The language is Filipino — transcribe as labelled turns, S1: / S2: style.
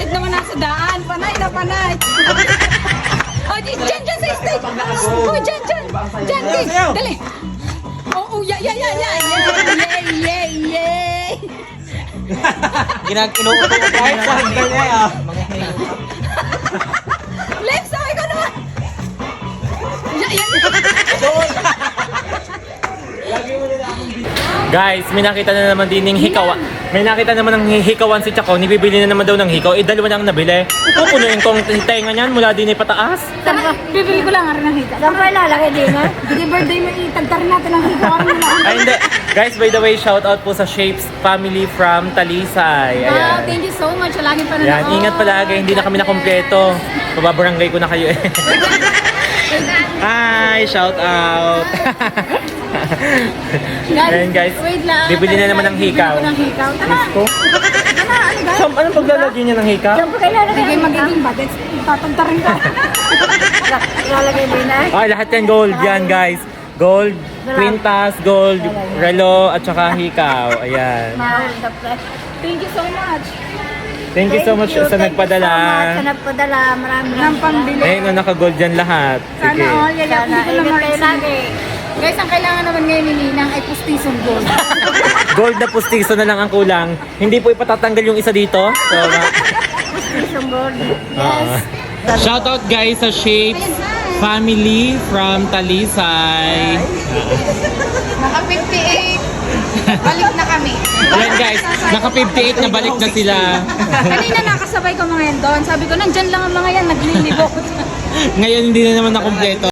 S1: Bakit naman nasa daan? Panay na panay. Oh, dyan sa stage. Oh, dyan. Dali. Oh, yeah. Yay.
S2: Ginag-inuuto ko kahit sa hanggang niya.
S1: Lex, ikaw naman. Yan.
S3: Guys, may nakita na naman din ng hikawan. May nakita naman ng hikawan si Chaco. Nibibili na naman daw ng hikaw. Dalawa na ang nabili. Pupunuin kong tenga niyan mula din ay pataas.
S1: Bibili ko lang rin ng hikaw.
S4: Saan pa ilalagay din, ha?
S1: Hindi birthday mo, itagtarin natin ang hikaw.
S3: Ay, hindi. Guys, by the way, shout out po sa Shapes family from Talisay.
S1: Wow,
S3: Ayan.
S1: thank you so much. Lagi pa na
S3: Yan, ingat palagi. Hindi na kami nakompleto. Pababarangay ko na kayo eh. Hi, shout out. Ayan guys,
S1: wait lang.
S3: bibili na naman ng hikaw.
S1: Bibili ko ng hikaw. Tara.
S3: Ko?
S1: Tara, ano guys?
S3: So, anong paglalagyan niya ng hikaw?
S4: Saan pa ilalagay?
S1: Hindi magiging budget. Tatagtarin ka.
S4: Ilalagay din, ha?
S3: Ay, lahat yan gold. Yan guys. Gold, kwintas, gold, relo, at saka hikaw. Ayan.
S4: Mahal na pre.
S1: Thank you so much.
S3: Thank you so much sa nagpadala.
S4: Sa nagpadala. Maraming
S1: Ng pambili.
S3: Ayun, naka-gold yan lahat.
S1: Sana
S3: Sige.
S1: all, yayapin
S4: Sana,
S1: ko na
S4: ingat kayo lagi.
S1: Guys, ang kailangan naman ngayon ni Ninang ay pustisong gold.
S3: Gold na pustiso na lang ang kulang. Hindi po ipatatanggal yung isa dito. So,
S4: Isang gold.
S3: shout out guys sa Shapes family from Talisay.
S1: Naka 58. Balik na kami.
S3: Ayan guys, naka 58 na balik na sila.
S1: Kanina nakasabay ko mga yan doon. Sabi ko, nandyan lang ang mga yan, naglilibot.
S3: Ngayon hindi na naman na kompleto.